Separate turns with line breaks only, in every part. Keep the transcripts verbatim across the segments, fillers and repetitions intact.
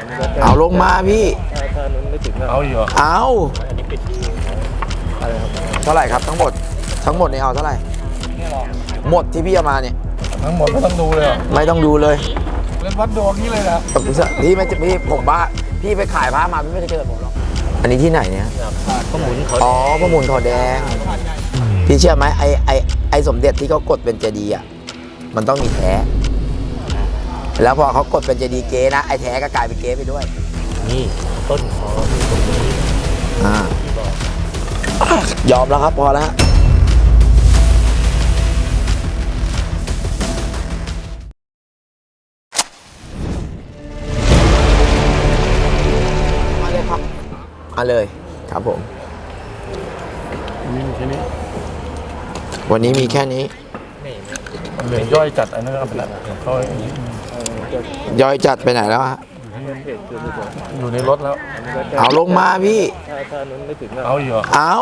เอาลงมาพี่
เอาอยู่
เอาเท่าไหร่ครับทั้งหมดทั้งหมดนี่เอาเท่าไหร่หมดที่พี่เอามาเนี่ย
ทั้งหมดไม่ต้องดูเลย
ไม่ต้องดูเลย
เล่นวัดดวงนี้เลยนะ
พี่ไม่พี่ผมบ้าพี่ไปขายผ้ามาพี่ไม่ได้เจอผมหรอกอันนี้ที่ไหนเนี่ย
พระหมุน
อ๋อพระหมุนขอแดงพี่เชื่อไหมไอไอไอสมเด็จที่เขากดเป็นเจดีย์อ่ะมันต้องมีแท้แล้วพอเขากดเป็นเจดีย์เก๊นะไอแท้ก็กลายเป็นเก๊ไปด้วย
นี่ต้นคอตรงนี้
อ่ายอมแล้วครับพอแล้วมาเลยครับมาเลยครับผม
มีแค่นี้
วันนี้มีแค่นี้
เหลือย่อยจัดอันนั้นก็เป็นเขา
ย่อยจัดไปไหนแล้วฮะ
อยู่ในรถแล้ว
เอาลงมาพี่
เอาอยู่
เอา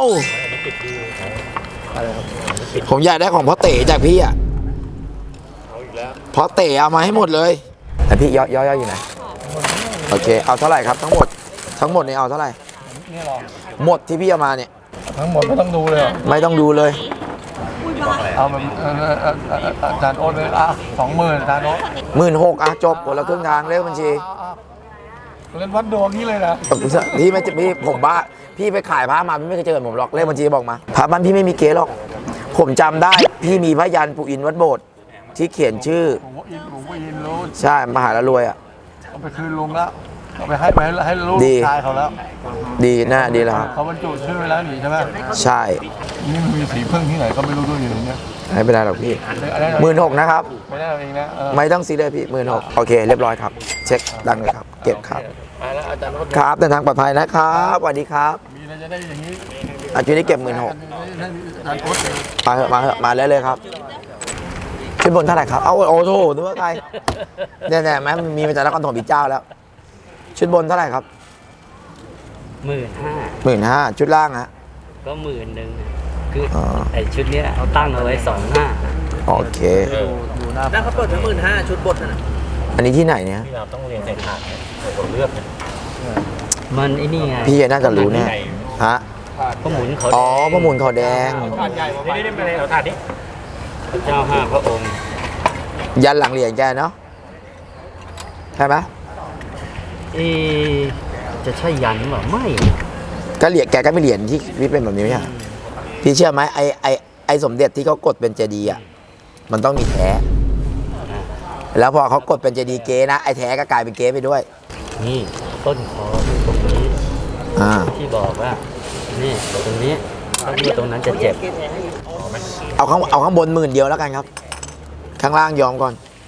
ผมอยากได้ของพ่อเต๋จากพี่อ่ะพ่อเต๋เอามาให้หมดเลยแต่พี่ย่อยย่อยอยู่ไหนโอเคเอาเท่าไหร่ครับทั้งหมดทั้งหมดนี่เอาเท่าไหร่หมดที่พี่เอามาเนี่ย
ทั้งหมดไม่ต้องดูเลย
ไม่ต้องดูเลย
เอาแบบอาจารย์โอ๊ตเลยอ่ะสองหมื่นอาจารย์โอ๊ต
หมื่นหกอ่ะจบคนละครึ่งทางเลขบัญชี
เล่นวัดดวงนี้เลยนะ
พี่ไม่พี่ผมบ้าพี่ไปขายผ้ามาพี่ไม่เคยเจอผมหรอกเลขบัญชีบอกมาผ้าบ้านพี่ไม่มีเก๊หรอกผมจำได้พี่มีพยัญชนะปู่อินวัดโบสถ์ที่เขียนชื่อใช่มหาละรวยอ่ะ
เอาไปคืนลุงแล้วเอาไปให้ไปให้ลูกชายเขาแล้ว
ดีน่าดีแล้วครับ
เขาบรรจุชื่อไว้แล้วหนีใช่ไหม
ใช่
นี่มันมีสีพึ่งที่ไหนก็ไม่รู้ด้วยอยู่เนี่ย
ไม่เป็นไรหรอกพี่หมื่นหกนะครับ
ไม่ได้เองนะ
ไม่ต้องซีเลยพี่หมื่นหกโอเคเรียบร้อยครับเช็คดังเลยครับเก็บครับครับเดินทางปลอดภัยนะครับสวัสดีครับ
มีอะไรจะได้อย่างนี้
อาจุนี้เก็บหมื่นหกมาเหอะมาเหอะมาเลยเลยครับชุดบนเท่าไหร่ครับเอาโอ้โหนึกว่าใครเนี่ยเนี่ยแม่มีมาจากนครถมอีกเจ้าแล้วชุดบนเท่าไหร่ครับ
หมื่นห้า
หมื่นห้าชุดล่างฮะ
ก็หมื่นหนึ่งคือไอชุดนี้เอาตั้งเอาไว้สองห้า
โอเค
นั่นเขาเปิดไว้หมื่นห้าชุดบนนะ
อันนี้ที่ไหนเนี่ย
พี่เราต้องเรียนใส่ถาดเลือกมันไอ้นี่ไง
พี่น่าจะรู้แน่ฮะ
พระหมุนเขา
อ๋อพระหมุนเขาแดง
นี่นี่มาเลยเอาถาดนี้พระเจ้าห้าพระองค์
ยันหลังเหรียญแกเนาะใช่ไหม
เอจะใช่ยันหรือเปล่าไม่
ก็เหรียญแกก็ไม่เหรียญที่พี่เป็นแบบนี้ไหมฮะพี่เชื่อไหมไอไอไอสมเด็จที่เขากดเป็นเจดีย์อ่ะมันต้องมีแท้แล้วพอเขากดเป็นเจดีย์เก๊นะไอแท้ก็กลายเป็นเก๊ไปด้วย
นี่ต้นคอตรงนี้ที่บอกว่านี่ตรงนี้ถ้าดูตรงนั้นจะเจ็บ
เอาข้างเอาข้างบนหมื่นเดียวแล้วกันครับข้างล่างยอมก่อน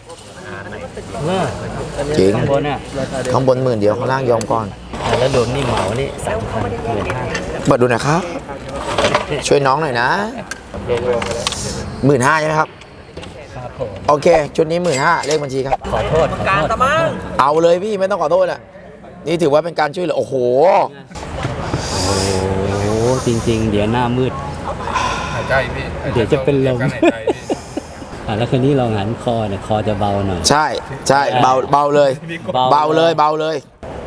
จริง
ข้างบนเนี่ย
ข้างบนหมื่นเดียวข้างล่างยอมก่อน
แล้วโดนนี่เหมานี่สามพันหมื่นห้า
เปิดดูหน่อยครับช่วยน้องหน่อยนะหมื่นห้าใช่ไหมครับโอเคชุดนี้หมื่นห้าเลขบัญชีครับ
ขอโทษ
การตะมังเอาเลยพี่ไม่ต้องขอโทษอ่ะนี่ถือว่าเป็นการช่วยเหลือโอ้โห
โอ้โหจริงๆเดี๋ยวหน้ามืดเดี๋ยวจะเป็นลมอ่ะแล้วคืนนี้เราหันคอเนี่ยคอจะเบาหน่อย
ใช่ใช่เบาเบาเลยเบาเลยเบาเลย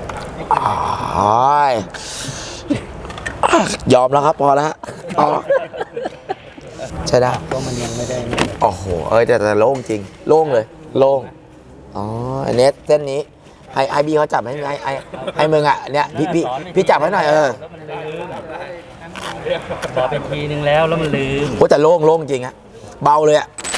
ยอมแล้วครับพอแล้วพอใช่ได้
ก็มันยังไม่ได้
โอ้โหเอ้ยแต่แต่โล่งจริงโล่งเลยโล่งอ๋ออันนี้เส้นนี้ให้ไอบีเขาจับให้ไอไอให้มึงอ่ะเนี่ยพี่พี่พี่จับให้หน่อยเออ
บอกไปทีนึงแล้วแล้วมันลืม
โอ้แต่โล่งโล่งจริงอะเบาเลยอะ